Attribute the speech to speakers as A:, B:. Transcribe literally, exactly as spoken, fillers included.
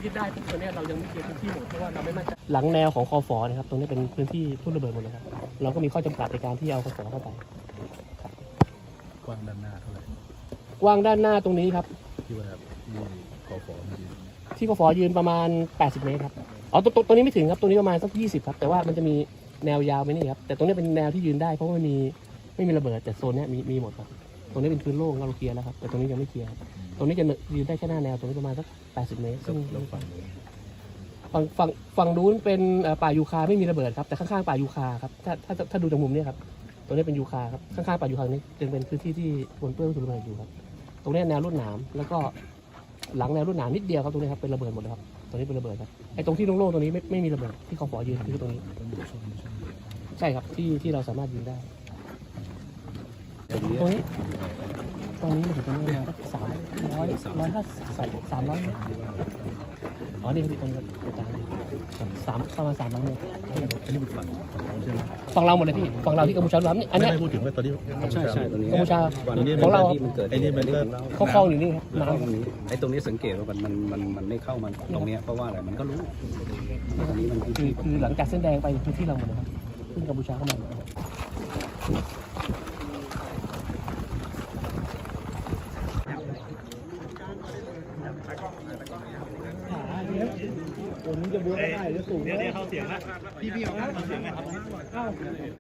A: ยึดได้ตรงนี้เรายังไม่เคลียร์พื้นที่หมดเพราะว่าเราไม่มั่นใจหลังแนวของคอฟอนะครับตรงนี้เป็นพื้นที่ทุ่นระเบิดหมดเลยครับเราก็มีข้อจำกัดในการที่เอาคอฟอเข้าไป
B: กว้างด้านหน้าเท่าไหร่
A: กว้างด้านหน้าตรงนี้ครับ
B: ที่ว่าที่คอฟอยืน
A: ที่คอฟอยืนประมาณแปดสิบเมตรครับอ๋อตรงตรงนี้ไม่ถึงครับตรงนี้ประมาณสักยี่สิบครับแต่ว่ามันจะมีแนวยาวไปนี่ครับแต่ตรงนี้เป็นแนวที่ยืนได้เพราะว่าไม่มีไม่มีระเบิดแต่โซนนี้มีมีหมดครับตรงนี้เป็นพื้นโล่งเราเคลียร์แล้วครับแต่ตรงนี้ยังไม่เคลียร์ตรงนี้จะยืนได้แค่หน้าแนวตรงนี้ประมาณสักแปดสิบเมตรซึ่งฝั่งฝั่งฝั่งนู้นเป็นป่ายูคาไม่มีระเบิดครับแต่ข้างๆป่ายูคาครับถ้าถ้าถ้าดูจากมุมนี้ครับตรงนี้เป็นยูคาครับข้างๆป่ายูคานี้จะเป็นพื้นที่ที่ปนเปื้อนวัตถุระเบิดอยู่ครับตรงนี้แนวรุ่นหนามแล้วก็หลังแนวรุ่นหนามนิดเดียวครับตรงนี้ครับเป็นระเบิดหมดเลยครับตรงนี้เป็นระเบิดครับไอ้ตรงที่โล่งๆตรงนี้ไม่ไม่มีระเบิดที่เขาขอยืนคือตรงนี้ใช่ครับที่ที่เราสามารถยืนได้ตรงนี้ตรงนี้มันถึงตรงนี้สักสามร้อยร้อยห้าสามร้อยเมตรอ๋อนี่คือตรงนี้อาจารย์สามประมาณสามร้อยเมตร
B: อันนี้เป็นฝั่งของเราใช่ไหม
A: ฝั่งเราหมดเลยพี่ฝั่งเราที่กัมพูชาล้วนนี่อันนี้
B: ไม่พูดถึงว่าตอนนี้
C: ใช่ใช่ตรงนี้
A: กัมพูชา
C: ของเราที่มันเกิดไอ้นี่มันก็
A: เขาคลองอยู่นี่ครับ
C: น้ำตรงนี้ไอ้ตรงนี้สังเกตว่ามันมันมันมันไม่เข้ามันตรงนี้เพราะว่าอะไรมันก็รู้ตรงนี้มัน
A: คือคือหลังจากเส้นแดงไปพื้นที่เราหมดเลยครับขึ้นกัมพูชาเข้ามาผมจะบวกได้หรือสูงเดี๋ยวเขาเสียงละพี่พี่เอาเสียงไหมครับ